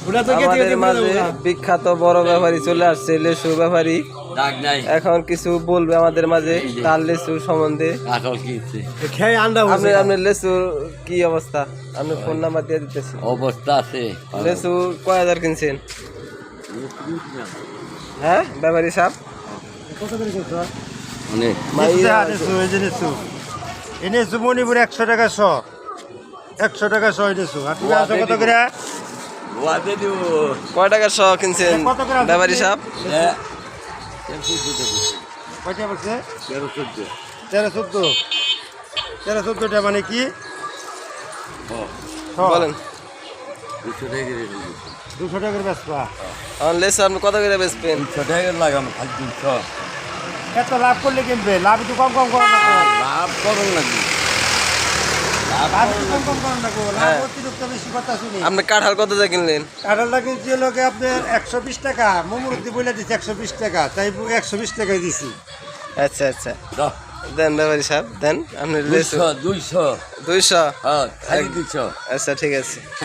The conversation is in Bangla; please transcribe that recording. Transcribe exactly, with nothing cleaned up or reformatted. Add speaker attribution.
Speaker 1: আমাদের মাঝে বিখ্যাত বড় ব্যাপারী চলে আসছে, লেসু ব্যাপারী। এখন কিছু বলবে আমাদের মাঝে তার লেসু সম্বন্ধে। আপনি আপনার লেসুর কি অবস্থা? আপনি ফোন নাম্বার দিয়ে দিতেছি।
Speaker 2: অবস্থা আছে।
Speaker 1: লেসু কয় হাজার কিনছেন? হ্যাঁ ব্যাপারী সাহেব,
Speaker 3: এনেছু মণিপুর একশো টাকা শ একশো টাকা শ এনেছু। আর তুমি আছো কত করে?
Speaker 1: কয় টাকার শ কিনছেন ব্যাপারী সাহেব?
Speaker 3: কয়টা বলছে? তেরো চোদ্দ তেরো চোদ্দ তেরো চোদ্দটা মানে কি
Speaker 1: বলেন।
Speaker 3: দুশো টাকার বেচবা?
Speaker 1: আমার লেসু আপনি কত করে বেচবেন?
Speaker 2: লাগাম দুশো।
Speaker 3: এত লাভ করলে কিনবে? লাভ একটু কম কম করেন না?
Speaker 2: লাভ করুন নাকি?
Speaker 3: লাভ একটু কম কম করেন না? লাভ অতিরিক্ত বেশি কথা শুনি।
Speaker 1: আপনি কাঁঠাল কত দিয়ে কিনলেন?
Speaker 3: কাঁঠালটা কিনছি লোকে আপনার একশো বিশ টাকা। মোমরুদ্দি বলে দিচ্ছে একশো বিশ টাকা, তাই একশো বিশ টাকায় দিছি।
Speaker 1: আচ্ছা আচ্ছা দেন ব্যাপারী সাহেব দেন। আপনি লেসু
Speaker 2: দুইশো দুইশো
Speaker 1: দুইশো?
Speaker 2: হ্যাঁ দুইশো।
Speaker 1: আচ্ছা ঠিক আছে।